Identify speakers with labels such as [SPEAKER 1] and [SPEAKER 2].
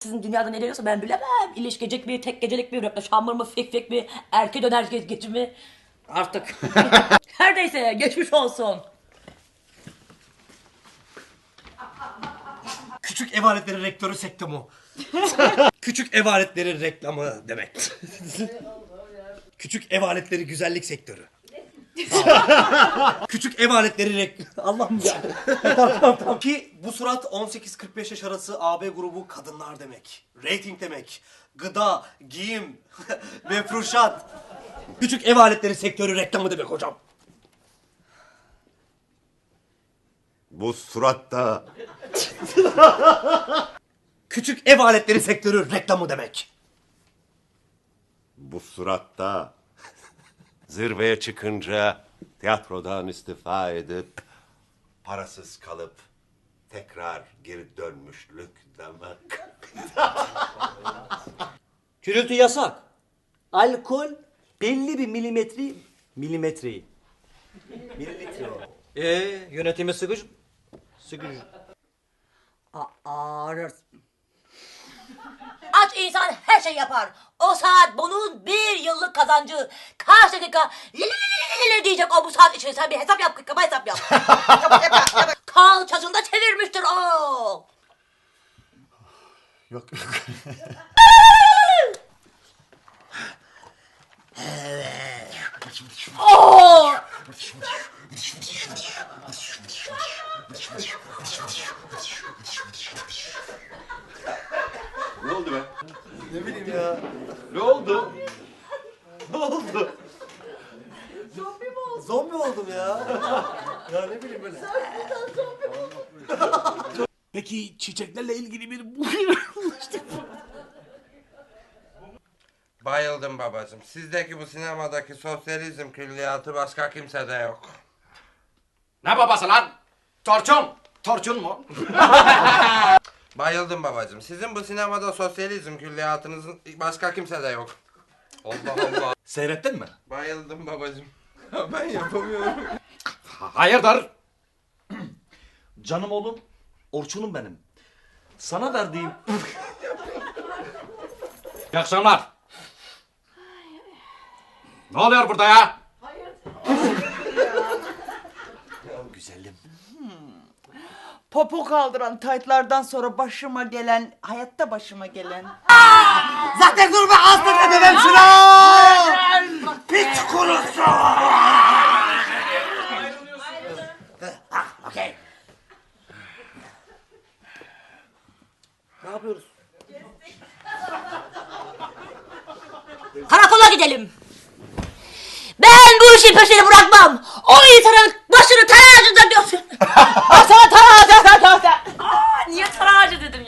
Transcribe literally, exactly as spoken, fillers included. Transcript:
[SPEAKER 1] sizin dünyada ne deniyorsa ben bilemem. İlişkicik mi, tek gecelik mi, röpleşambur mu, fik fik mi, erke döner ge geci mi? Artık. Her neyse geçmiş olsun.
[SPEAKER 2] Küçük ev aletleri rektörü sektomu. Küçük ev aletleri reklamı demek. Küçük ev aletleri güzellik sektörü. Küçük ev aletleri rek... Allah'ım ya. Tamam tamam tamam. Ki bu surat on sekiz kırk beş yaş arası A B grubu kadınlar demek. Rating demek. Gıda, giyim, mefruşat. Küçük ev aletleri sektörü reklamı demek hocam.
[SPEAKER 3] Bu suratta
[SPEAKER 2] Küçük ev aletleri sektörü reklamı demek.
[SPEAKER 3] bu suratta zirveye çıkınca tiyatrodan istifa edip parasız kalıp tekrar geri dönmüşlük demek.
[SPEAKER 4] Gürültü yasak. Alkol belli bir milimetre milimetreyi. Mililitre o. Ee, yönetimi sıkıcı. Sıkıcı.
[SPEAKER 1] Ağrır. Aç insan her şey yapar. O saat bunun bir yıllık kazancı. Kaç dakika li li li li li diyecek o bu saat içinde. Sen bir hesap yap, kaba hesap yap. Kalçasında çevirmiştir o.
[SPEAKER 3] Yok.
[SPEAKER 1] Oo!
[SPEAKER 3] Ne oldu be?
[SPEAKER 2] Ne bileyim ya.
[SPEAKER 3] Ne oldu? Ne oldu?
[SPEAKER 2] Zombi mi oldum? Zombi oldum ya. Ya ne bileyim böyle.
[SPEAKER 5] Peki çiçeklerle ilgili bir
[SPEAKER 6] Bayıldım babacığım. Sizdeki bu sinemadaki sosyalizm külliyatı başka kimsede yok.
[SPEAKER 5] Ne babası lan? Torçun. Torçun mu?
[SPEAKER 6] Bayıldım babacığım. Sizin bu sinemada sosyalizm külliyatınızın başka kimsede yok. Allah Allah.
[SPEAKER 5] Seyrettin mi?
[SPEAKER 6] Bayıldım babacığım. Ben yapamıyorum.
[SPEAKER 5] Hayırdır? Canım oğlum, Orçun'um benim. Sana verdiğim... İyi akşamlar. Ne oluyor burada ya?
[SPEAKER 2] Güzelim.
[SPEAKER 7] Popo kaldıran taytlardan sonra başıma gelen, hayatta başıma gelen.
[SPEAKER 2] Zaten dur be ağzına edemem şunu! Piç kurusu! Okey.
[SPEAKER 4] Ne yapıyoruz?
[SPEAKER 1] Karakola gidelim. Ben bu işin peşini bırakmam. O insanın başını teraziden diyorsun.